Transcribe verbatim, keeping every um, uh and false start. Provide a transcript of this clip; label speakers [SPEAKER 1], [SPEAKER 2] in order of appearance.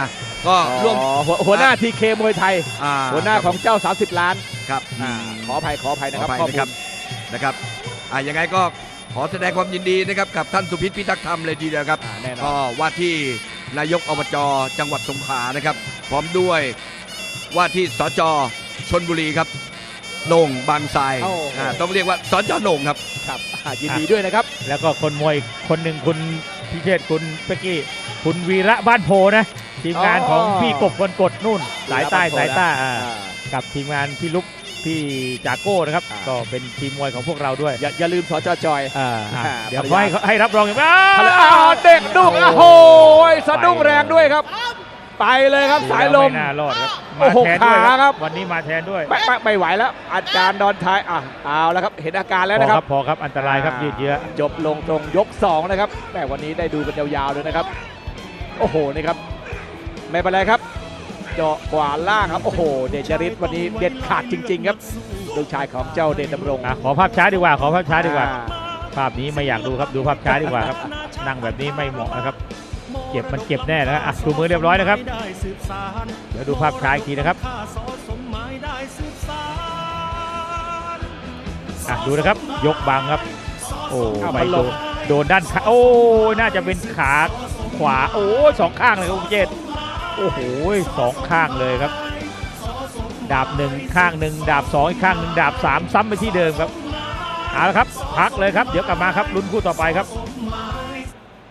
[SPEAKER 1] อ่ะก็ร่วม
[SPEAKER 2] หัวหน้าทีเคมวยไทยหัวหน้าของเจ้าสามสิบล้าน
[SPEAKER 1] ครับ
[SPEAKER 2] ขออภัยขออภัยนะครับ
[SPEAKER 1] ขออภัยนะครับนะครับอ่ะยังไงก็ขอแสดงความยินดีนะครับกับท่านสุพิษพิทักษ์ธรรมเลยทีเดียวครับก็ว่าที่นายกอบจจังหวัดสงขลานะครับพร้อมด้วยว่าที่สจชลบุรีครับโหน่งบางทรายต้องเรียกว่าสจโหน่งครับ
[SPEAKER 2] ครับยินดีด้วยนะครับ
[SPEAKER 3] แล้วก็คนมวยคนหนึ่งคุณพิเชษคุณเป๊กกี้คุณวีระบ้านโพนะทีมงานของพี่กบคนกดนู่นสายใต้สายใต้กับทีมงานพี่ลุกพี่จากโก้นะครับก็เป็นทีมมวยของพวกเราด้วย
[SPEAKER 2] อย่าลืมสจจอย
[SPEAKER 3] เดี๋ยวให้ให้รับรองอย่างนี้
[SPEAKER 2] เด็กดุกโอ้โหสะดุ้งแรงด้วยครับไปเลยครับสายลม
[SPEAKER 3] ไม่น่ารอดครับ
[SPEAKER 2] มาแทนด้วยครับ
[SPEAKER 3] วันนี้มาแทนด้วย
[SPEAKER 2] ไม่ไม่ไหวแล้วอาจารย์ดอนทายอ่ะเอาแล้วครับเห็นอาการแล้วนะครับ
[SPEAKER 3] พอครับอันตรายครับยืดเยื้อ
[SPEAKER 2] จบลงตรงยกสองนะครับแม่วันนี้ได้ดูกันยาวๆเลยนะครับโอ้โหนี่ครับไม่เป็นไรครับเจาะขวาล่างครับโอ้โหเดชฤทธิ์วันนี้เด็ดขาดจริงๆครับลูกชายของเจ้าเดชดำรง
[SPEAKER 3] ขอภาพช้าดีกว่าขอภาพช้าดีกว่าภาพนี้ไม่อยากดูครับดูภาพช้าดีกว่าครับนั่งแบบนี้ไม่เหมาะนะครับเจ็บมันเจ็บแน่นะครับอ่ะดูมือเรียบร้อยนะครับเดี๋ยวดูภาพช้าอีกทีนะครับอ่ะดูนะครับยกบังครับโอ้ไม่โดนโดนด้านขาโอ้น่าจะเป็นขาขวาโอ้สองข้างเลยครับคุณเจษโอ้โหสองข้างเลยครับดาบหนึ่งข้างหนึ่งดาบสองอีกข้างหนึ่งดาบสามซ้ำไปที่เดิมครับเอาละครับพักเลยครับเดี๋ยวกลับมาครับลุ้นคู่ต่อไปครับ